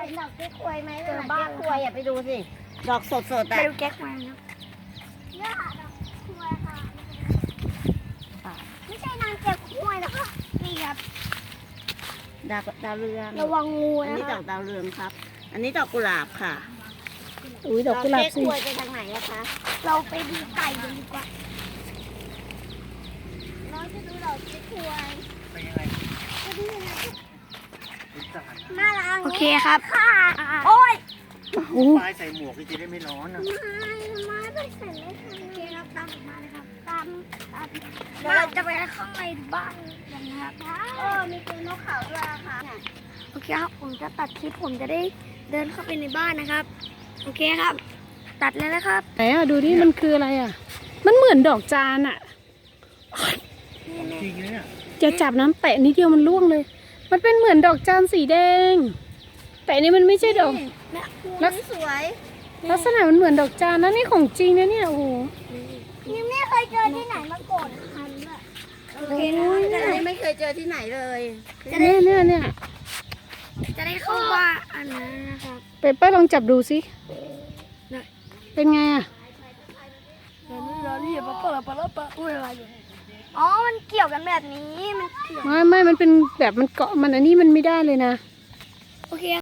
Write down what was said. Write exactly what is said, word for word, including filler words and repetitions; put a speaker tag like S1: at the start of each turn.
S1: ห็นดอกเก๊กควยไหมเจอบ้านควยอย่าไปดูสิดอกสดสด
S2: ไป
S1: อ่ะ
S2: ดูแก๊กมาครับ
S1: เนี่ยค่ะดอกควยค่ะไม่ใช่นางเก๊กควยนะคะนี่ครับดาวดาวเรือง
S2: ระวังงู
S1: อัน
S2: นะ
S1: นี้
S2: ค
S1: ด
S2: รั
S1: อบ กดาวเรืองครับ อันนี้ดอกกุหลาบค่ะ
S3: อุ้ยดอกกุหลาบ
S1: เก๊ก
S3: สิ
S1: ควยไปทางไหนอะคะ
S2: เราไปดูไก่กันดีกว่า
S1: น้องจะดูดอกเก๊กควย
S4: เป็นยังไง
S1: จะดูยังไง
S4: รู้จัก
S1: น่ารัก
S2: โอเคครับ
S1: ค่ะ
S2: โอ้ย
S3: โอ้
S4: ปลายใส่หมวกจะได้ไม่ร้อนอ่ะ
S1: ไม้ไปเสร็จเลยค่ะโอเคเราตามมาเลยครับตามตาม
S2: เดี๋ยวเราจะไปข้างในบ้านกันนะครับ
S1: เออมีตัวนกเขาด้วยอะค่ะ
S2: โอเคครับผมจะตัดคลิปผมจะได้เดินเข้าไปในบ้านนะครับ โอเคครับ ตัดเลยนะครับ
S3: ไหนอ่ะดูดิมันคืออะไรอ่ะ มันเหมือนดอกจานอ่ะ
S4: จริงเลยเนี่ย
S3: จะจับน้ำแตะนิดเดียวมันร่วงเลย มันเป็นเหมือนดอกจานสีแดง แต่อันนี้มันไม่ใช่ดอก
S1: แล้วสวย
S3: ลักษณะมันเหมือนดอกจานนะนี่ของจริงนะเนี่ยโอ้โห
S1: ยังไม่เคยเจอที่ไหนมาก่อนนะคะด้วย
S2: โอเคนะครับจะ
S1: อัน
S2: ได้
S1: นี้ไม่เคยเจอที่ไหนเลย
S3: เนี่ยเนี่ยเนี่ย
S2: จะได้เข้าบ้านอันนั้นนะครับ
S3: เปเปอร์ลองจับดูสิ
S2: ได้
S3: เป็นไงอ่ะ
S2: เดี๋ยวนี้เราเรียกมาเปิดเปิดเปิดอุ้ยอะไรอยู่อ๋อ มันเกี่ยวกันแบบนี้ มันเกี่ยว
S3: ไม่ไม่มันเป็นแบบมันเกาะมันอันนี้มันไม่ได้เลยนะ
S2: โอเค